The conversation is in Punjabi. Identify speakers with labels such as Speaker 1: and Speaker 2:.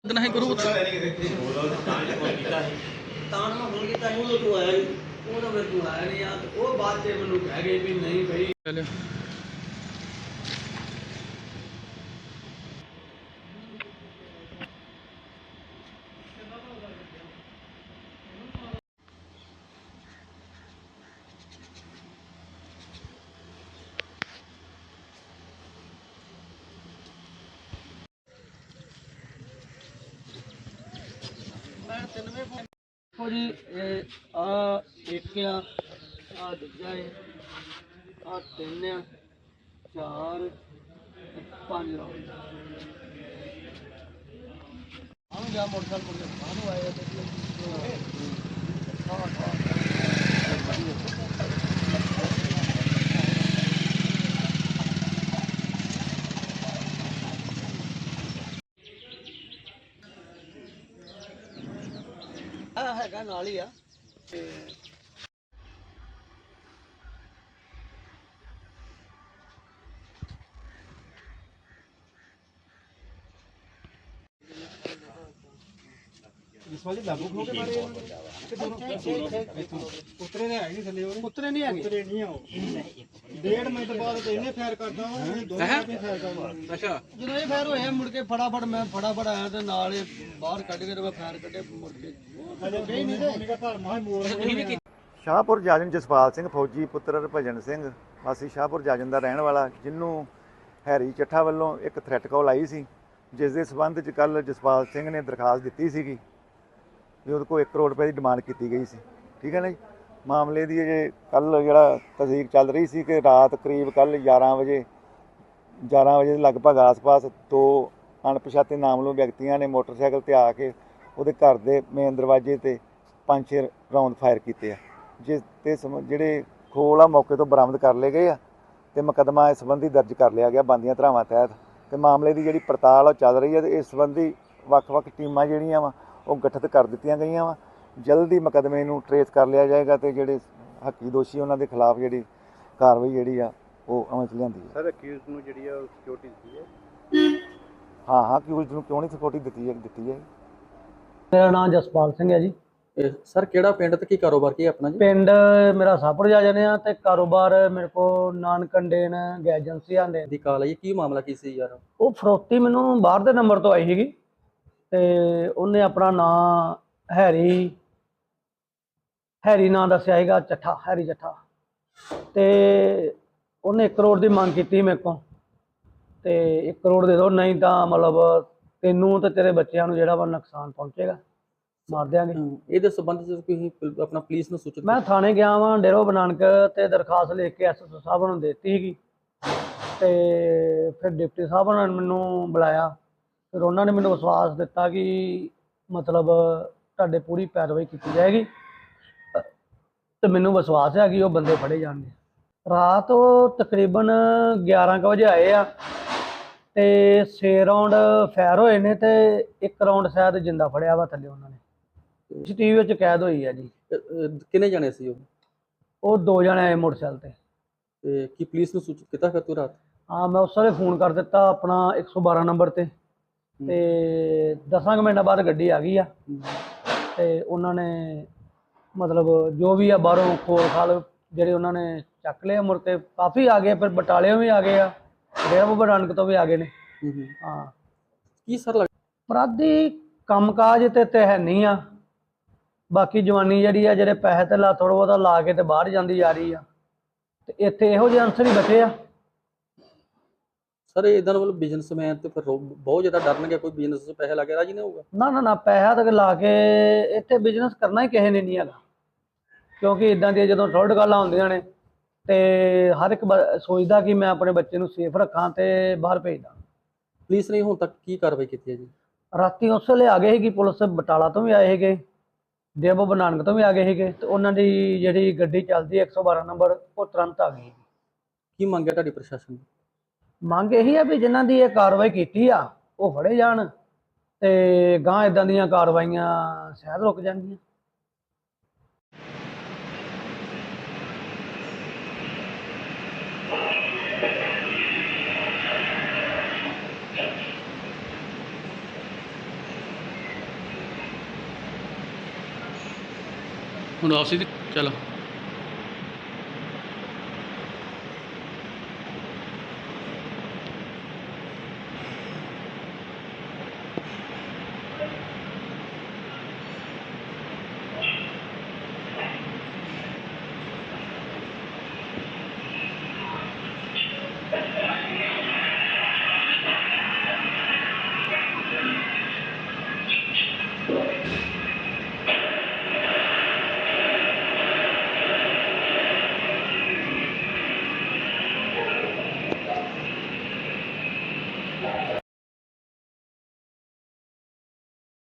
Speaker 1: नहीं करूँ
Speaker 2: ਤਾਂ ਮੈਂ ਫੋਨ ਕੀਤਾ ਸੀ ਉਦੋਂ ਤੂੰ ਆਇਆ ਨਹੀਂ ਉਦੋਂ ਫਿਰ ਤੂੰ ਆਇਆ ਨਹੀਂ ਯਾਰ ਉਹ ਬਾਅਦ 'ਚ ਮੈਨੂੰ ਕਹਿ ਗਏ ਵੀ ਨਹੀਂ ਭਾਈ
Speaker 1: चलो
Speaker 2: ਜੀ ਇਹ ਆ ਇੱਕ ਆ ਦੂਜਾ ਹੈ ਆ ਤਿੰਨ ਆ ਚਾਰ ਪੰਜ ਰਾਉਂਡ ਆਉਂ ਜਾ ਮੋਟਰਸਾਈਕਲ ਕੋਲ ਬਾਹਰੋਂ ਆਏ ਹੈਗਾ ਨਾਲ ਹੀ ਆ ਤੇ
Speaker 3: ਇਸ ਵਾਲੀ ਲਾਗੂ ਹੋ ਕੇ ਮਾਰੇ ਉਤਰੇ ਨੇ ਆਏ ਨਹੀਂ ਥੱਲੇ ਉਹਦੇ
Speaker 2: ਉਤਰੇ ਨਹੀਂ ਹੈਗੇ
Speaker 3: ਉਤਰੇ ਨਹੀਂ ਆਓ 1.5 ਮਿੰਟ ਬਾਅਦ ਤੇ ਇਹਨੇ ਫਾਇਰ ਕਰਦਾ ਵਾ ਇਹ ਦੋਵੇਂ ਆਪੇ ਫਾਇਰ ਕਰਦਾ
Speaker 1: अच्छा
Speaker 2: ਜਦੋਂ ਇਹ ਫਾਇਰ ਹੋਇਆ ਮੁੜ ਕੇ ਫਟਾਫਟ ਮੈਂ ਫਟਾਫਟ ਆਇਆ ਤੇ ਨਾਲ ਇਹ ਬਾਹਰ ਕੱਢ ਕੇ ਤੇ ਮੈਂ ਫਾਇਰ ਕੱਢੇ ਮੁੜ ਕੇ
Speaker 3: ਹਲੇ ਗਈ ਨਹੀਂ ਤੇ ਮੇਰਾ ਘਰ ਮਾਹ ਮੋੜ
Speaker 4: ਸ਼ਾਹਪੁਰ ਜਾਜਨ ਜਸਪਾਲ ਸਿੰਘ ਫੌਜੀ ਪੁੱਤਰ ਹਰਭਜਨ ਸਿੰਘ ਵਾਸੀ ਸ਼ਾਹਪੁਰ ਜਾਜਨ ਦਾ ਰਹਿਣ ਵਾਲਾ, ਜਿਹਨੂੰ ਹੈਰੀ ਚੱਠਾ ਵੱਲੋਂ ਇੱਕ ਥ੍ਰੈਟ ਕਾਲ ਆਈ ਸੀ, ਜਿਸ ਦੇ ਸਬੰਧ 'ਚ ਕੱਲ੍ਹ ਜਸਪਾਲ ਸਿੰਘ ਨੇ ਦਰਖਾਸਤ ਦਿੱਤੀ ਸੀਗੀ ਵੀ ਉਹਦੇ ਕੋਲ 1 ਕਰੋੜ ਰੁਪਏ ਦੀ ਡਿਮਾਂਡ ਕੀਤੀ ਗਈ ਸੀ। ਠੀਕ ਹੈ ਨਾ ਜੀ। ਮਾਮਲੇ ਦੀ ਅਜੇ ਕੱਲ੍ਹ ਜਿਹੜਾ ਤਸਦੀਕ ਚੱਲ ਰਹੀ ਸੀ ਕਿ ਰਾਤ ਕਰੀਬ ਕੱਲ੍ਹ 11 ਵਜੇ ਦੇ ਲਗਭਗ ਆਸ-ਪਾਸ 2 ਅਣਪਛਾਤੇ ਨਾਮਲੂਮ ਵਿਅਕਤੀਆਂ ਨੇ ਮੋਟਰਸਾਈਕਲ 'ਤੇ ਆ ਕੇ ਉਹਦੇ ਘਰ ਦੇ ਮੇਨ ਦਰਵਾਜ਼ੇ 'ਤੇ 5-6 ਰਾਉਂਡ ਫਾਇਰ ਕੀਤੇ ਆ, ਜਿਸ 'ਤੇ ਜਿਹੜੇ ਖੋਲ ਆ ਮੌਕੇ ਤੋਂ ਬਰਾਮਦ ਕਰ ਲਏ ਗਏ ਆ ਅਤੇ ਮੁਕੱਦਮਾ ਇਸ ਸੰਬੰਧੀ ਦਰਜ ਕਰ ਲਿਆ ਗਿਆ ਬਣਦੀਆਂ ਧਾਰਾਵਾਂ ਤਹਿਤ। ਅਤੇ ਮਾਮਲੇ ਦੀ ਜਿਹੜੀ ਪੜਤਾਲ ਉਹ ਚੱਲ ਰਹੀ ਹੈ ਅਤੇ ਇਸ ਸੰਬੰਧੀ ਵੱਖ-ਵੱਖ ਟੀਮਾਂ ਜਿਹੜੀਆਂ ਵਾ ਉਹ ਗਠਿਤ ਕਰ ਦਿੱਤੀਆਂ ਗਈਆਂ ਵਾ। ਜਲਦੀ ਮੁਕੱਦਮੇ ਨੂੰ ਟਰੇਸ ਕਰ ਲਿਆ ਜਾਏਗਾ ਅਤੇ ਜਿਹੜੇ ਹੱਕੀ ਦੋਸ਼ੀ ਉਹਨਾਂ ਦੇ ਖਿਲਾਫ ਜਿਹੜੀ ਕਾਰਵਾਈ ਜਿਹੜੀ ਆ ਉਹ ਅਮਲ 'ਚ ਲਿਆਂਦੀ ਹੈ।
Speaker 3: ਸਰ ਅਕਿਊਜ਼ ਨੂੰ ਜਿਹੜੀ ਆ ਸਿਕਿਉਰਿਟੀ ਦਿੱਤੀ ਹੈ?
Speaker 4: ਹਾਂ ਅਕਿਊਜ਼ਡ ਨੂੰ ਕਿਉਂ ਨਹੀਂ ਸਿਕਿਉਰਿਟੀ ਦਿੱਤੀ ਹੈ।
Speaker 2: ਮੇਰਾ ਨਾਮ ਜਸਪਾਲ ਸਿੰਘ ਹੈ ਜੀ।
Speaker 1: सर केड़ा पिंड ते की कारोबार की अपना जी?
Speaker 2: ਪਿੰਡ ਮੇਰਾ ਸਾਪੜ ਜਾ ਜਾਂਦੇ ਆ ਤੇ ਕਾਰੋਬਾਰ ਮੇਰੇ ਕੋ ਨਾਨਕੰਡੇਨ ਗੈਸ ਏਜੰਸੀ ਆਂਦੇ
Speaker 1: दी कॉल आई की मामला की सी यार?
Speaker 2: ਉਹ ਫਰੋਤੀ ਮੈਨੂੰ ਬਾਹਰ ਦੇ ਨੰਬਰ ਤੋਂ ਆਈ ਸੀਗੀ ਤੇ ਉਹਨੇ ਆਪਣਾ ਨਾਂ ਹੈਰੀ ਨਾਂ ਦੱਸਿਆ ਸੀਗਾ, ਹੈਰੀ ਚੱਠਾ, ਤੇ ਉਹਨੇ 1 ਕਰੋੜ ਦੀ ਮੰਗ ਕੀਤੀ ਮੇਰੇ ਕੋਲ ਤੇ 1 ਕਰੋੜ ਦੇ ਦਿਓ, ਨਹੀਂ ਤਾਂ ਮਤਲਬ ਤੈਨੂੰ ਤੇ ਤੇਰੇ ਬੱਚਿਆਂ ਨੂੰ ਜਿਹੜਾ ਵਾ ਨੁਕਸਾਨ ਪਹੁੰਚੇਗਾ, ਮਾਰ ਦਿਆਂਗੇ।
Speaker 1: ਇਹਦੇ ਸੰਬੰਧ ਚ ਤੁਸੀਂ ਆਪਣਾ ਪੁਲਿਸ ਨੂੰ ਸੂਚਿਤ?
Speaker 2: ਮੈਂ ਥਾਣੇ ਗਿਆ ਵਾਂ ਡੇਰੋ ਬਨਾਨਕ ਤੇ ਦਰਖਾਸਤ ਲਿਖ ਕੇ ਐਸਐਸਓ ਸਾਹਿਬ ਨੂੰ ਦਿੱਤੀ ਸੀਗੀ ਤੇ ਫਿਰ ਡਿਪਟੀ ਸਾਹਿਬ ਨੇ ਮੈਨੂੰ ਬੁਲਾਇਆ, ਫਿਰ ਉਹਨਾਂ ਨੇ ਮੈਨੂੰ ਵਿਸ਼ਵਾਸ ਦਿੱਤਾ ਕਿ ਮਤਲਬ ਤੁਹਾਡੇ ਪੂਰੀ ਪੈਰਵਾਈ ਕੀਤੀ ਜਾਏਗੀ ਤੇ ਮੈਨੂੰ ਵਿਸ਼ਵਾਸ ਹੈ ਕਿ ਉਹ ਬੰਦੇ ਫੜੇ ਜਾਣਗੇ। ਰਾਤ ਉਹ ਤਕਰੀਬਨ 11 ਕੁ ਵਜੇ ਆਏ ਆ ਤੇ 6 ਰਾਉਂਡ ਫਾਇਰ ਹੋਏ ਨੇ ਤੇ 1 ਰਾਉਂਡ ਸ਼ਾਇਦ ਜਿੰਦਾ ਫੜਿਆ ਵਾ ਥੱਲੇ ਉਹਨਾਂ ਨੇ। ਟੀਵੀ ਵਿੱਚ ਕੈਦ ਹੋਈ ਆ ਜੀ।
Speaker 1: ਕਿੰਨੇ ਜਣੇ ਸੀ
Speaker 2: ਉਹ 2 ਜਣੇ ਆਏ ਮੋਟਰਸਾਈਕਲ
Speaker 1: ਤੇ ਕੀ ਪੁਲਿਸ ਨੂੰ ਸੂਚਿਤ ਕੀਤਾ ਫਿਰ ਤੂੰ ਰਾਤ?
Speaker 2: ਹਾਂ ਮੈਂ ਉਸ ਵੇਲੇ ਫੋਨ ਕਰ ਦਿੱਤਾ ਆਪਣਾ 112 ਨੰਬਰ ਤੇ 10 ਮਿੰਟਾਂ ਬਾਅਦ ਗੱਡੀ ਆ ਗਈ ਆ ਤੇ ਉਹਨਾਂ ਨੇ ਮਤਲਬ ਜੋ ਵੀ ਆ ਬਾਹਰੋਂ ਖੋਲ ਖਾਲ ਜਿਹੜੇ ਉਹਨਾਂ ਨੇ ਚੱਕ ਲਿਆ, ਮੁੜ ਕੇ ਕਾਫੀ ਆ ਗਏ, ਫਿਰ ਬਟਾਲਿਓਂ ਵੀ ਆ ਗਏ ਆ, ਡੇਰਾ ਬਾਬਾ ਨਾਨਕ ਤੋਂ ਵੀ ਆ ਗਏ ਨੇ। ਹਾਂ
Speaker 1: ਕੀ ਸਰ
Speaker 2: ਅਪਰਾਧੀ ਕੰਮਕਾਜ ਤੇ ਹੈ ਨਹੀਂ ਆ, ਬਾਕੀ ਜਵਾਨੀ ਜਿਹੜੀ ਆ ਜਿਹੜੇ ਪੈਸੇ ਧੇਲਾ ਥੋੜ੍ਹਾ ਬਹੁਤਾ ਲਾ ਕੇ ਤੇ ਬਾਹਰ ਜਾਂਦੀ ਜਾ ਰਹੀ ਆ ਤੇ ਇੱਥੇ ਇਹੋ ਜਿਹੇ ਅਨਸਰ ਹੀ ਬਚੇ ਆ।
Speaker 1: ਸਰ ਇਦਾਂ ਵੱਲ ਬਿਜ਼ਨਸਮੈਨ ਤੇ ਫਿਰ ਬਹੁਤ ਜ਼ਿਆਦਾ ਡਰਨਗੇ, ਕੋਈ ਬਿਜ਼ਨਸ 'ਚ ਪੈਸੇ ਲਾ ਕੇ ਰਾਜੀ ਨਹੀਂ ਹੋਊਗਾ?
Speaker 2: ਨਾ ਪੈਸਾ ਤੱਕ ਲਾ ਕੇ ਇੱਥੇ ਬਿਜ਼ਨਸ ਕਰਨਾ ਹੀ ਕਿਸੇ ਨੇ ਨਹੀਂ ਹੈਗਾ, ਕਿਉਂਕਿ ਇਦਾਂ ਦੀਆਂ ਜਦੋਂ ਥੋੜ੍ਹ ਗੱਲਾਂ ਹੁੰਦੀਆਂ ਨੇ ਤੇ ਹਰ ਇੱਕ ਸੋਚਦਾ ਕਿ ਮੈਂ ਆਪਣੇ ਬੱਚੇ ਨੂੰ ਸੇਫ ਰੱਖਾਂ ਤੇ ਬਾਹਰ ਭੇਜਦਾ।
Speaker 1: ਪੁਲਿਸ ਨੇ ਹੁਣ ਤੱਕ ਕੀ ਕਾਰਵਾਈ ਕੀਤੀ ਹੈ ਜੀ?
Speaker 2: ਰਾਤੀ ਉਸ ਵੇਲੇ ਆ ਗਏ ਸੀਗੀ ਪੁਲਿਸ, ਬਟਾਲਾ ਤੋਂ ਵੀ ਆਏ ਸੀਗੇ, ਡੇਰਾ ਬਾਬਾ ਨਾਨਕ ਤੋਂ ਵੀ ਆ ਗਏ ਸੀਗੇ ਤੇ ਉਹਨਾਂ ਦੀ ਜਿਹੜੀ ਗੱਡੀ ਚੱਲਦੀ 112 ਨੰਬਰ ਉਹ ਤੁਰੰਤ ਆ ਗਈ।
Speaker 1: ਕੀ ਮੰਗਿਆ ਤੁਹਾਡੀ ਪ੍ਰਸ਼ਾਸਨ ਨੇ?
Speaker 2: ਮੰਗ ਇਹੀ ਆ ਵੀ ਜਿਨ੍ਹਾਂ ਦੀ ਇਹ ਕਾਰਵਾਈ ਕੀਤੀ ਆ ਉਹ ਫੜੇ ਜਾਣ ਤੇ ਗਾਂ ਇਦਾਂ ਦੀਆਂ ਕਾਰਵਾਈਆਂ ਸ਼ਾਇਦ ਰੁਕ ਜਾਣਗੀਆਂ।
Speaker 1: ਹੁਣ ਵਾਪਸੀ ਦੀ ਚਲੋ